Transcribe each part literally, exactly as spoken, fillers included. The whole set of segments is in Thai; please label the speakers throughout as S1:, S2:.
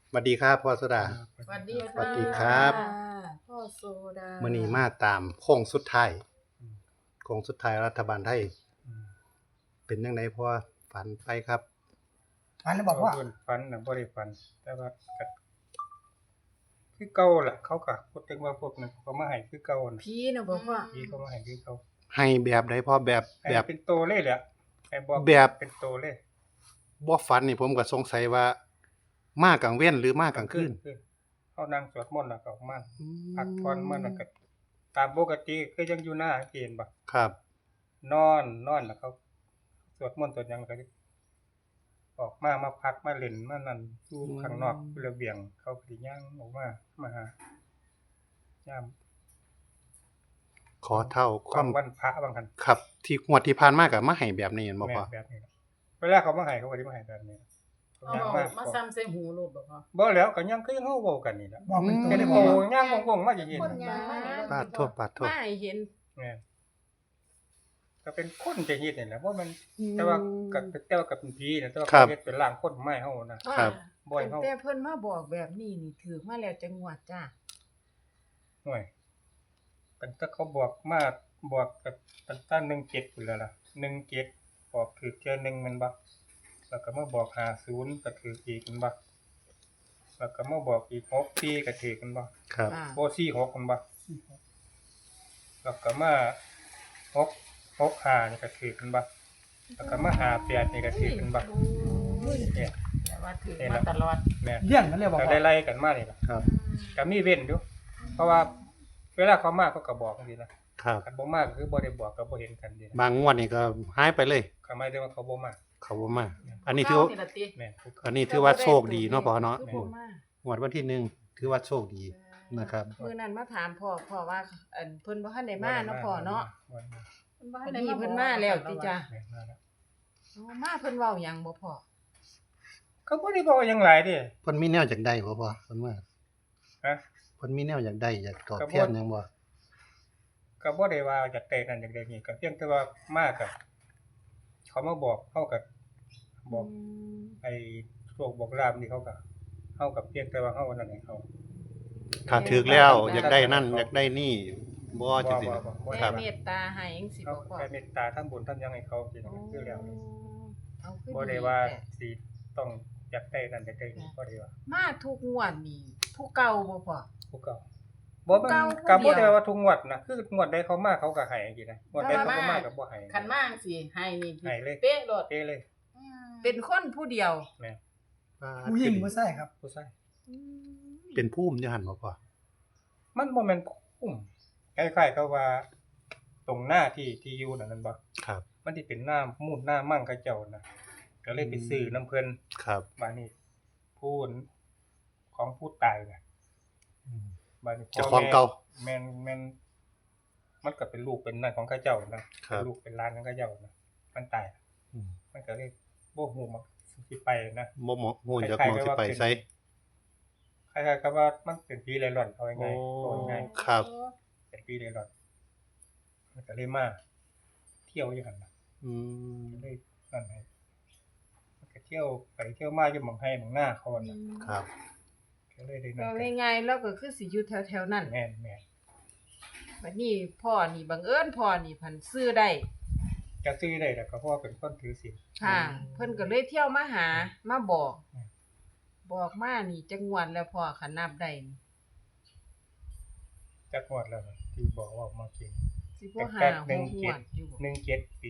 S1: สวัสดีครับพ่อโซดา
S2: สวัสดี
S1: สวัสดีครับ
S2: พ่อโซดา
S1: มื้อนี้มาตามโค้งสุดท้ายโค้งสุดท้ายรัฐบาลไทยเป็นจังไดพ่อฝันไปครับ
S3: ฝันแล้วบอกว่า
S4: เพิ่นฝันน่ะบ่ได้ฝันแต่ว่าก็คือเก่าล่ะเขาก็พูดถึงว่าพวกนั้นเขามาให้คือเก่าน่ะ
S2: ผีน่ะบอกว่า
S4: พี่เขามาให้คือเก่า
S1: ให้แบบใดพ่อแบบ
S4: ให้
S1: แบบ
S4: เป็นโตเลยแหละให้บอก
S1: แบบ
S4: เป็นโตเลย
S1: บ่ฝันนี่ผมก็สงสัยว่ามากลางเว้นหรือมากลางคืน
S4: เฮานั่งสวดมนต์แล้วก็ออกมาพักผ่อนมันแล้วก็ตามปกติคือยังอยู่หน้าเกณฑ์บ่
S1: ครับ
S4: นอนนอนแล้วเขาสวดมนต์สวดหยังแล้วก็ออกมามาพักมาเล่นมานั่นอยู่ข้างนอกระเบียงเขาก็สิย่างออกมามาหายาม
S1: ขอเท่าคาว
S4: ความ มวันพระบางคัน
S1: ครับ ที่งวดที่ผ่านมาก็มาให้แบบนี้แม่นบ่
S4: แม่
S1: พ่อ
S4: แบบนี้เวลาเขามาให้เขาก็สิมาให้แบบนี้
S2: เอา
S4: ย่าง
S2: มา
S4: มา
S2: มาซ้ำใส่หูลูกบอกว่า
S4: บ่แล้วก็ยังคือยังเฮาเว้ากันนี่ล่ะ
S3: บอกเป็นตัว
S4: แค่
S3: ได้
S4: ได้
S3: บ
S4: โต
S3: อกว่า
S4: ย่างงงๆมาอย่างนี้
S2: คนยางมา
S1: ปาดโทษปาดโทษ
S2: มาให้เห็น
S4: แม่ก็เป็นคนจะเฮ็ดนี่แหละเพราะมันแต่ว่าก็แต่ว่าก็เป็นผีนะแต่ว่าเขาเฮ็ดเป็นร่างคนไม้เฮานะครับ บ่ให้
S2: ตั้ง
S4: เฮา
S2: แต่เพิ่นมาบอกแบบนี้นี่ถือมาแล้วจังหวัดจ้า
S4: ห่วยเป็นถ้าเขาบอกมาบอกกับตั้งแต่หนึ่งเจ็ดพุ่นแล้วล่ะหนึ่งเจ็ดบอกถือเทื่อหนึงแม่นบ่แล้วก็มาบอกห้าสิบก็ถืออีกแม่นบ่แล้วก็มาบอกอีกหกสี่ก็ถือแม่นบ่
S1: ครับ
S2: อ่า
S4: โอ้สี่หกแม่นบ่แล้วก็มาหก หกห้านี่ก็ถือแม่นบ่แล้วก็มาห้าแปดนี่ก็ถือแม่นบ่เนี่ย
S2: แต่ว่าถือมาตลอด
S4: แม่น
S3: เลี้ยงกันเลยบอก
S4: ก็
S3: ว่า
S4: ได้ไล่กันมานี่ล่ะ
S1: ครับ
S4: ก็มีเว้นอยู่เพราะว่าเวลาเขามาเขาก็บอกจังซี่นะครับ คันบ่มาก็คือบ่ได้บอกก็บ่เห็นกันดีนะ
S1: บางงวดนี่ก็หายไปเลย
S4: ก็หมายถึงว่าเขาบ่มา
S1: เขาบ่มา อันนี้ถือว่า
S2: เาล่ะติ
S4: แม่นผู้
S1: อันนี้ถือว่าโชคดีเนาะพ่อเนาะ
S2: คือบ่มา
S1: งวดวันที่หนึ่งถือว่าโชคดีนะครับ
S2: มื้อนั้นมาถามพ่อพ่อว่าอันเพิ่นบ่ทันได้มาเนาะพ่อเนาะ
S4: บ่ได้มา
S2: วันนี้เพิ่นมาแล้วติจ้า
S4: แม่นมาแล้ว
S2: อ๋อมาเพิ่นเว้าหยังบ่พ่อ
S4: เขาบ่ได้บอกหยังหลายเด้
S1: เพิ่นมีแนวอยากได้บ่พ่อเพิ่นว่า
S4: ฮะ
S1: เพิ่นมีแนวอยากได้อยากตอบ
S4: ก็บ่
S1: แทนหยังบ่
S4: ก็บ่ได้ว่าอยากได้นั่นอยากได้นี่ก็เพียงแต่ว่ามาก็เขามาบอกเฮาก็บอก
S2: ม
S4: ไอ้โชคบอกลาภนี่เขาก็เฮาก็เพียงแต่ว่าเฮานั่นให้เขา
S1: ถ้าถึกแล้วอยากได้นั่นอยากได้นี่บ่จังซี่
S4: บ่บ่บ่
S2: แม่
S1: ครับ
S2: เมตตาให้จังซี่
S4: เขา
S2: บ่พ่อ
S4: แค่เมตตาทำบุญทำหยังให้เขาสิคือแล้ว
S2: เอาคือ
S4: บ่
S2: ดี
S4: ได้ว่า
S2: แท้
S4: สิต้องอยากได้นั่นอยากได้นี่บ่ได้ว่า
S2: มาทุกงวดนี่ผู้เก่าบ่พ่อ
S4: ผู้เก่าบ่มัน
S2: เก่า
S4: ก็
S2: ผู้
S4: บ่
S2: เดียว
S4: ได้ว่าทุกงวดนะคืองวดใดเขามาเขาก็ให้จังซี่นะงวดใดเขาบ่มาก็บ่ให้
S2: คันมาจังซี่ให้นี่
S4: ให้เลย
S2: เป๊ะโลด
S4: เด้เลย
S2: เป็นคนผู้เดียว
S4: แม่
S3: ผู้หญิงผู้ชายครับ
S4: ผู้ชาย
S1: เป็นภูมิอยู่หั่นบ่พ่อ
S4: มันบ่แม่นคุ้มคล้ายๆกับว่า ตรงหน้าที่ที่อยู่นั่นนั่นบ่
S1: ครับ
S4: มันสิเป็นหน้ามูดหน้ามั่งเขาเจ้านะก็เลยไปซื้อน้ำเพิ่น
S1: ครับ
S4: บาดนี้ผู้ของผู้ตายน่ะ
S1: อืม
S4: บาดนี้พ่
S1: เจ้าของเก่า
S4: แม่นแม่นมันก็เป็นลูกเป็นนั่นของเขาเจ้านะครับ เป็นลูกเป็นหลานของเขาเจ้านะมันตาย
S1: อืม
S4: มันก็เลยบ่ฮู้มักสิไปนะ
S1: บ่เหมาะฮู้จักมองสิไปไส
S4: คล้ายๆกับว่ามันเป็นผีเร่ร่อนเอา
S1: โอ้
S4: ง่ายๆเอาง่าย
S1: ครับ
S4: ๆเป็นผีเร่ร่อนมันก็เลยมาเที่ยวอยู่หั่นน่ะ
S1: อืม
S4: เลยนั่นให้มันก็เที่ยวไปเที่ยวมาอยู่หม่องให้หม่องหน้าเขาน่ะ
S1: ครับ
S4: ก็เลยได้นั่
S2: ก็
S4: นกัน
S2: ง่ายๆแล้วก็คือสิอยู่แถวๆนั้น
S4: แม่นแม่น
S2: บัดนี้พ่อนี่บังเอิญพ่อนี่พันซื้อได้
S4: จะซื้อได้แต่ก็เพราะว่าเป็นคนถือศีล
S2: ค่ะ เพิ่นก็เลยเที่ยวมาหามาบอก
S4: อืม
S2: บอกมานี่จังหวัดแล้วพ่อคันนับได้นี่
S4: จักงวดแล้วนะที่บอกว่ามากิน
S2: สิบ่หา
S4: แต่
S2: ห
S4: หนึ่
S2: ก
S4: ง
S2: ง
S4: เจ็
S2: ว
S4: ด
S2: ดอยู่บ่
S4: หนึ่งเจ็ดปี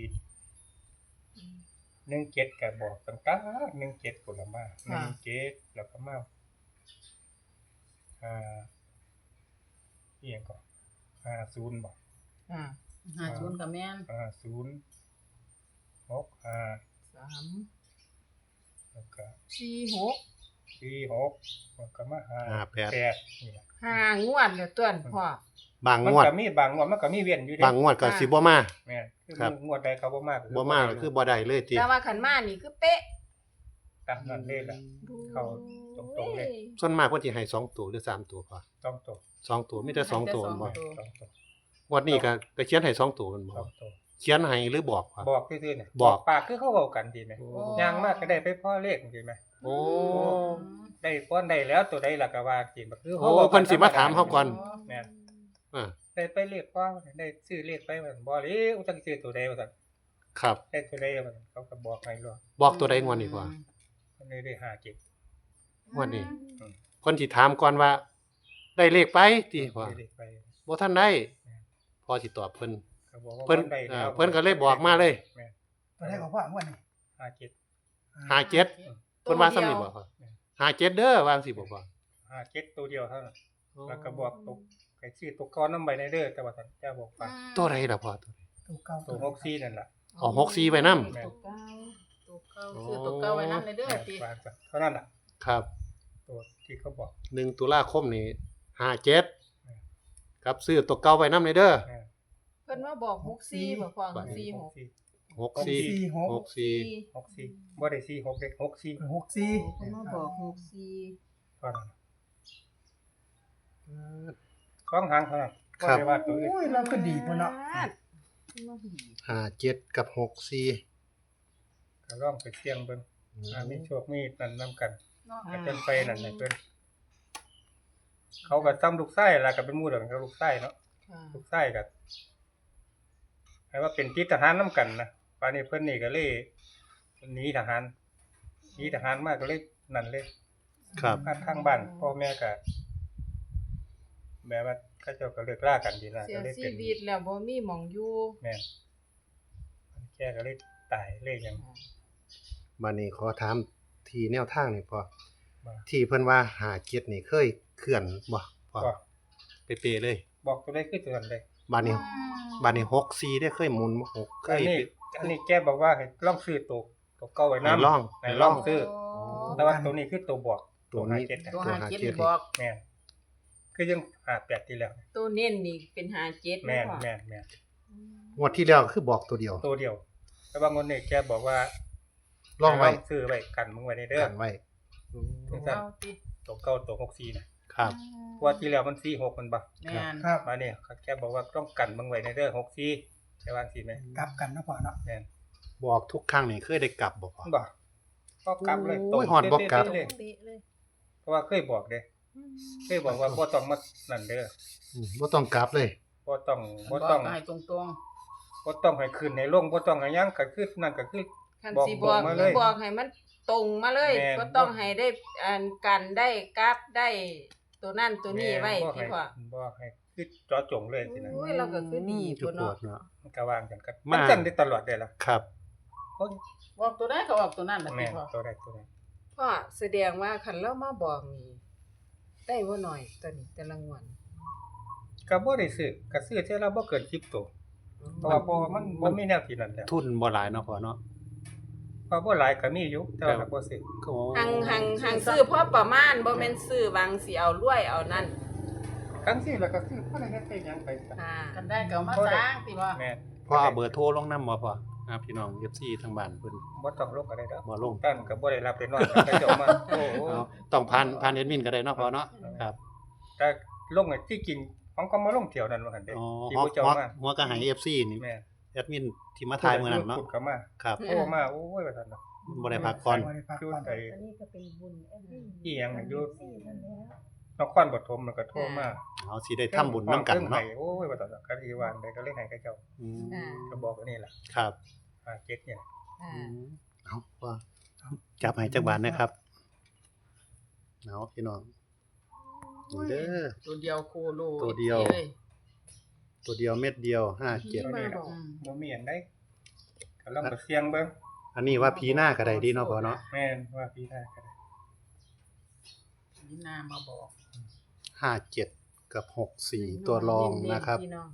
S4: หนึ่งเจ็ดก็บอกตั้งแต่หนึ่งเจ็ดพุ่นละมาหนึ่งเจ็ดแล้วก็มาอ่าอีหยังก่อนห้าศูนย์บ่
S2: อ่า
S5: ห้าศูนย์กับแม่น
S4: ห้าศูนย์หกห้า
S2: สาม
S4: แล้วก็
S2: สี่หก
S4: สี่หกแล้วก็มาห้า
S1: ห้าแปด
S4: แปดนี่ล่ะ
S2: ห้างวดแล้วต้นพ่อบ
S1: าง
S4: มัน
S1: งวด
S4: ก็มีบางงวดมันก็มีเว้นอยู่เด้
S1: บางงวดก็สิบ่มา
S4: แม่นคือ
S1: ครับ
S4: งวดใดเขาบ่มาก็
S1: บ่มาก็คือบ่ได้เลยติ
S2: แต่ว่าคันมานี่คือเป๊ะ
S4: ตามนั้นเลยล่ะ เข้าตรงๆเลย
S1: ส่วนมากเพิ่นสิให้สองตัวหรือสามตัวพอ
S4: ต้องตัว
S1: สองตัวมีแต่สองตัวบ่
S4: ต้องตัว
S1: งวดนี้ก็ก็เขียนให้สองตัวแม่นบ่
S4: ต้องตัว
S1: เขียนให้หรือบอกพอ
S4: บอกซื่อๆเนี่ย
S1: บอก
S4: ปากคือเขาเว้ากันดีไหม
S1: โอ้
S4: ย่างมากก็ได้ไปพ่อเลขจริงไหม
S1: โอ้
S4: ได้ป้อนได้แล้วตัวใดล่ะก็ว่าสิบ่คือ
S1: โอ้เพิ่นสิมาถามเฮาก่อน
S4: แม่น
S1: อ่า
S4: ได้ไปเลขป้อได้ซื้อเลขไปว่าบ่เลยอุจักซื้อตัวใดว่าซั่น
S1: ครับ
S4: ได้ตัวใดว่าซั่นเขาก็บอกให้รอ
S1: บอกตัวใดงวดนี้พ่อ
S4: เพิ่นเลยได้ห้าเจ็ด
S1: งวดนี้
S4: อืม
S1: เพิ่นสิถามก่อนว่า ได้เลขไปติพ่อ
S4: ได้เลขไป
S1: บ่ทันได้พ่อสิตอบเพิ่น
S4: เขาบอกว่า
S1: เพิ่น
S4: ได้
S1: เอ่
S4: แล้
S1: อ
S4: ว
S1: เพิ่นก็เลยบอกมาเลย
S4: แม่น
S3: ตัวได้ของพ่องวดนี้
S4: ห้าเจ็ด
S1: ห้าเจ็ดเพิ่นว่าซ้ำนี่บ่พ่อห้าเจ็ดเด้อวาจั่งสิบ่พ่อ
S4: ห้าเจ็ดตัวเดียวเท่านั้นแล้วก็บอกตกไอ้ชื่อตัวก้อนนำใบในเด้อแต่ว่าท่านเจ้าบอกว่า
S1: ตัวใดล่ะพ่อตัวใด
S3: ตัวเก่า
S4: ตัวหกสี่นั่นล่ะ
S1: อ๋อหกสี่ไว้นำ
S2: ตัวเก้าตัวเก้าซื้อตัวเก้าไว้นำเลยเด้อ
S4: แม่น
S2: ติ
S4: ว่าจ้ะเท่านั้นน่ะ
S1: ครับ
S4: ตัวที่เขาบอก
S1: หนึ่งตุลาคมนี้ห้าเจ็ดครับซื้อตัวเก่าไว้นำเลยเด้อ
S4: แม่น
S2: เพิ่นมาบอกหกสี่บ่ฟังสี่หก
S1: หกสี่
S3: สี่หก
S1: หกสี่
S4: หกสี่บ่ได้สี่หกเด็กหกสี่
S3: หกสี่
S2: เพิ่นมาบอกหกสี่
S4: เท่านั้นสองหางเท่านั้นบ่ได้ว่าตัวอื่น
S3: โอ้ยเราก็ดีพุ่นเนาะ
S2: เพิ่นมาดี
S1: ห้าเจ็ดกับหกสี่
S4: ก็ลองไปเสี่ยงเบิ่งอ่ามีโชคมีนั่นนํกัน
S2: เนาะ
S4: ก็เพิ่นไปนั่นให้เพิ่นเขาก็ซ้ำลูกไส้ล่ะก็เป็นหมู่เดียวกันกับลูกไส้เนาะ
S2: ค่ะ
S4: ลูกไส้ก็ให้ว่าเป็นติดทหารนํกันนะป่านนี้เพิ่นนี่ก็เลยหนีทหารหนีทหารมาก็เลยนั่นเลย
S1: ครับ
S4: มาทางบ้านพ่อแม่ก็แบบว่าเขาเจ้าก็เลิกลากันดีนะ
S2: เสี
S4: ก็
S2: ย
S4: เลย
S2: ชี
S4: เป็น
S2: วิตแล้วบ่มีหม่องอยู่
S4: แม่นแค่ก็เลยตายเลยหยัง
S1: บัดนี้ขอถามที่แนวทางนี่พ่อ
S4: ว่า
S1: ที่เพิ่นว่าห้าเจ็ดนี่เคยเคลื่อนบ่พ่อ
S4: ก็
S1: เป๊ะๆเลย
S4: บอกตัวได้คือตัวนั้นเลย
S1: บัดนี้บัดนี้หกสี่ได้เคยหมุนบ่หกเค
S4: อัน
S1: ย
S4: นี้อันนี้แกบอกว่าให้ลองซื้อตัวตัวเก่าไว้
S1: ให้
S4: นำ
S1: ลอง
S4: ให้ลองซื้อ
S2: โ
S4: แต่ว่าตัวนี้คือตัวบอก
S1: ตัวนี้
S4: ห้าเจ็ดน่ะ
S2: ตัว
S1: ตัว
S2: หา
S1: หา
S2: เจ็ด
S1: เจ็ด
S2: บอก
S4: แม่นคือยังห้าแปดที่แล้ว
S2: ตัวเน้นนี่เป็นหาเจ็ด
S4: แม่น
S2: บ่
S4: แม่นแม่น
S1: งวดที่แล้วคือบอกตัวเดียว
S4: ตัวเดียว แต่ว่างนนี้แกบอกว่า
S1: ลองไว้
S4: ให้ซื้อไว้กันมึงไว้ในเด้อ
S1: กันไว้
S4: จังซั่น
S2: เอาติ
S4: ตัวเก่าตัวหกสี่น่ะ
S1: ครับ
S4: เพราะว่าที่แล้วมันสี่หกมันบ่
S2: แม่น
S3: ครับ
S4: มาเนี่ยแกบอกว่าต้องกันมึงไว้ในเด้อหกสี่ใช่ว่าสิแม่
S3: กลับกันเนาะพ่อเนาะ
S4: แม่น
S1: บอกทุกครั้งนี่เคยได้กลับบ่พ่อ
S4: บ่ก็กลับเลย
S1: โอ้ยฮอดบ่กลับ
S4: เป๊ะๆเลย
S2: เป๊ะเลย
S4: เพราะว่าเคยบอกเด้เคยบอกว่าบ่ต้องมานั่นเด้อ
S1: อืมบ่ต้องกลับเลย
S4: บ่ต้อง
S2: บ
S4: บ่
S2: อก
S4: ต้อง
S2: ให้ตรง
S4: บ่ต้องให้ขึ้นให้ลงบ่ต้องให้หยังก็คือนั่นก็คือ
S2: ๆคัน
S4: บอก
S2: สิ
S4: บบ อ
S2: อก ก
S4: มาเลย
S2: บอกให้มันตรงมาเลย
S4: แม่น
S2: ก็ต้องให้ได้อันกันได้กราฟได้ตัวนั่นตัวนี้ไว้
S4: บ่
S2: ที่
S4: ให้
S2: ว่า
S4: บ่ให้คือเจาะจงเลยสินะ
S2: โอ้ยเราก็คือดี
S1: จุ
S2: พุ่
S1: ด
S2: น
S1: ปว
S2: เนาะ
S1: ดเนาะ
S4: มันก็วางกันกัน
S1: มา
S4: มันจังได้ตลอดได้ล่ะ
S1: ครับ
S4: โอ้ย
S2: บอกตัวได้ก็บอกตัวนั้นน่ะ
S4: แม่
S2: พี่
S4: น
S2: พ่อ
S4: ตัวใดตัวใด
S2: พ่อแสดงว่าคันเรามาบอกนี่ได้บ่น้อยตัวนี้แต่ละงวด
S4: ก็บ่ได้ซื้อก็ซื้อเท่าละบ่เกินสิบตัวเพราะว่าเพราะว่ามันบ่มีแนวที่นั่นแล้ว
S1: ทุนบ่หลายเนาะพ่อเนาะ
S4: เพราะบ่หลายก็มีอยู่แต่ว่าเราบ่ซื้อ
S1: ก็
S2: หังหังหังซื้อพอประมาณบ่แม่นซื้อวางสิเอารวยเอานั่น
S4: คันซื้อแล้วก็ซื้อบ่ได้เฮ็ดได้หยังไปซะ
S2: ค่ะ
S5: กันได้ก็เอามาสร้างติบ่
S4: แม่น
S1: พ่อเอาเบอร์โทรลงนำบ่พ่ออ่าพี่น้อง เอฟ ซี ทางบ้านเพิ่น
S4: บ่ต้องลงก็ได้ดอก
S1: บ่ลง
S4: ตั้นก็บ่ได้รับได้นอนก็เจ้ามาโอ้โห
S1: เอาต้องผ่านผ่านแอดมินก็ได้เนาะพ่อเนาะครับ
S4: แต่ลงไอ้ที่จริงของก็มาลงเที่ยวนั้นว่าหั่นเด้
S1: อ๋อ
S4: ที่
S1: หัว
S4: ผู้เจ้า
S1: หัว
S4: มา
S1: หัวก็ให้ เอฟ ซี นี่
S4: แม่น
S1: แอดมินที่มาถ่ายมื้อนั้นเนาะ
S4: พูดก็มา
S1: ครับ
S4: โอ้มาโอ้ยว่าซั่นเนาะ
S1: บ่ได้พักก่อน
S3: บ่ได้พัก
S4: อยู่
S3: ก่อน
S4: ไอ้
S5: อันนี้ก็เป็นบุญแอดมิน
S4: อีหยังน่ะอยู่
S5: สี่นั่นแหล้ว
S4: นครปฐมมันก็โทรมา
S1: เอาสิได้ทำบุญนํกันเนาะ
S4: โอ้ยว่าซั่นเนาะก็สิว่าได้ก็เลยให้กับเจ้า
S1: อืม
S2: อ่า
S4: ก็บอกอันนี้ล่ะ
S1: ครับ
S4: อ่าเจ็ดเนี่ย
S2: อ่า
S1: อืมเอาพ่อจับให้จักบาทนะครับเอาพี่น้องนี่เด้อ
S2: ตัวเดียวโคโล
S1: ตัวเดียว
S2: ล
S1: ตัวเดียวเม็ดเดียวห้าเจ็ด
S4: ตัวนี้
S2: มาบ
S4: ล่ะ
S2: อก
S4: บ่มีอันใดก็ลองไปเสี่ยงเบิ่ง
S1: อันนี้ว่าพีหน้าก็ได้ดีเนาะพ่อเนาะ
S4: แม่นว่าพี่ได้ก็ได้
S5: นี่นามาบอก
S1: ห้าเจ็ดกับหกสี่ตัวรองนะครับ
S2: พี่น้อง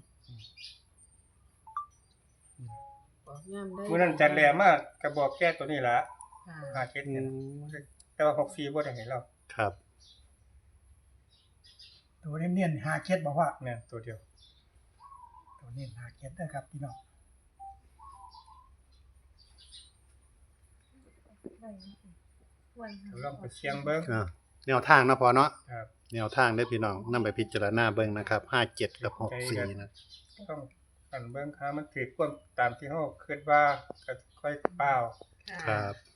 S2: บอกย่ำได้
S4: มื้อนั้นจันแลมาก็บอกแก้ตัวนี้ล่ะ
S2: ค่ะ
S4: ห้าเจ็ด
S1: อื
S4: เนี่ย
S1: ม
S4: แต่ว่าหกสี่บ่ได้ให้เรา
S1: ครับ
S3: ตัวเนียนๆหาเจ็ดบอกว่า
S4: แม่นตัวเดียว
S3: ตัวเนียนหาเจ็ดเด้อครับพี่น้อง
S4: ก็ลองไปเสี่ยงเบิ่ง
S1: อ่าแนวทางเนาะพ่อเนาะ
S4: ครับ
S1: แนวทางได้อพี่น้องนำไปพิจารณาเบิ่งนะครับห้าเจ็ดกับหกสี่นะ
S4: ต้องกันเบิ่งค่ามันถือความตามที่เฮาคิดว่าก็ค่อยเปล่า
S1: ครับ